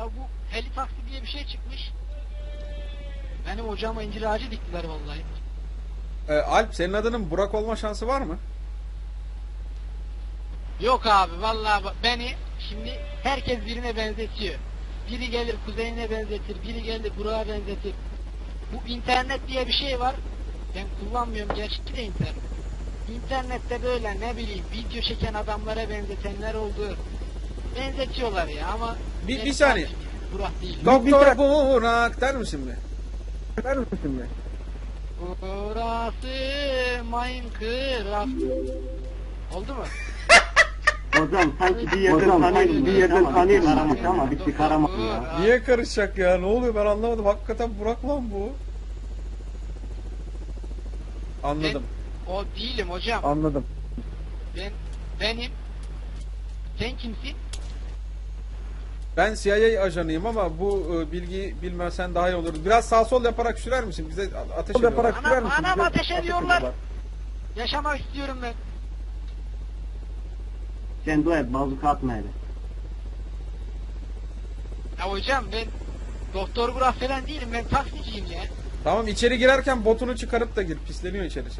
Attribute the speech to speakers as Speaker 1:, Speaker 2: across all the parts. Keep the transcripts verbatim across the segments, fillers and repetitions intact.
Speaker 1: Ya bu heli taksi diye bir şey çıkmış. Benim hocama incir ağacı diktiler vallahi.
Speaker 2: Ee, Alp, senin adının Burak olma şansı var mı?
Speaker 1: Yok abi vallahi bak- beni şimdi herkes birine benzetiyor. Biri gelir kuzeyine benzetir, biri gelir Burak'a benzetir. Bu internet diye bir şey var. Ben kullanmıyorum gerçi de internet. İnternette böyle ne bileyim video çeken adamlara benzetenler oldu. Benzetiyorlar ya ama
Speaker 2: Bir-
Speaker 1: benim
Speaker 2: bir saniye.
Speaker 1: kardeşim Burak değil.
Speaker 2: Doktor Burak der misin be?
Speaker 3: Der misin be?
Speaker 1: Burası Minecraft. Oldu mu?
Speaker 3: Hocam sanki bir yerden tanıyorum, bir yerden tanıyorum aramış ama bir çıkaramadım ya.
Speaker 2: Niye karışacak ya? Ne oluyor ben anlamadım. Hakikaten Burak lan bu. Anladım.
Speaker 1: Ben o değilim hocam.
Speaker 3: Anladım.
Speaker 1: Ben benim. Sen kimsin?
Speaker 2: Ben C I A ajanıyım ama bu e, bilgiyi bilmesen daha iyi olur. Biraz sağ sol yaparak sürer misin? Bize a- ateş ediyorlar.
Speaker 3: Yaparak
Speaker 1: Anam,
Speaker 3: sürer misin?
Speaker 1: anam
Speaker 3: Bize
Speaker 1: ateş ediyorlar.
Speaker 3: ediyorlar.
Speaker 1: Yaşamak istiyorum ben.
Speaker 3: Sen dua et, bazuka atma hele.
Speaker 1: Ya hocam ben doktor Burak falan değilim, ben taksiciyim ya.
Speaker 2: Tamam, içeri girerken botunu çıkarıp da gir. Pisleniyor içerisi.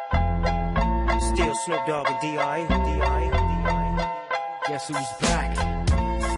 Speaker 4: Still Snoop Dogg and D I. D I. D I. Guess who's back?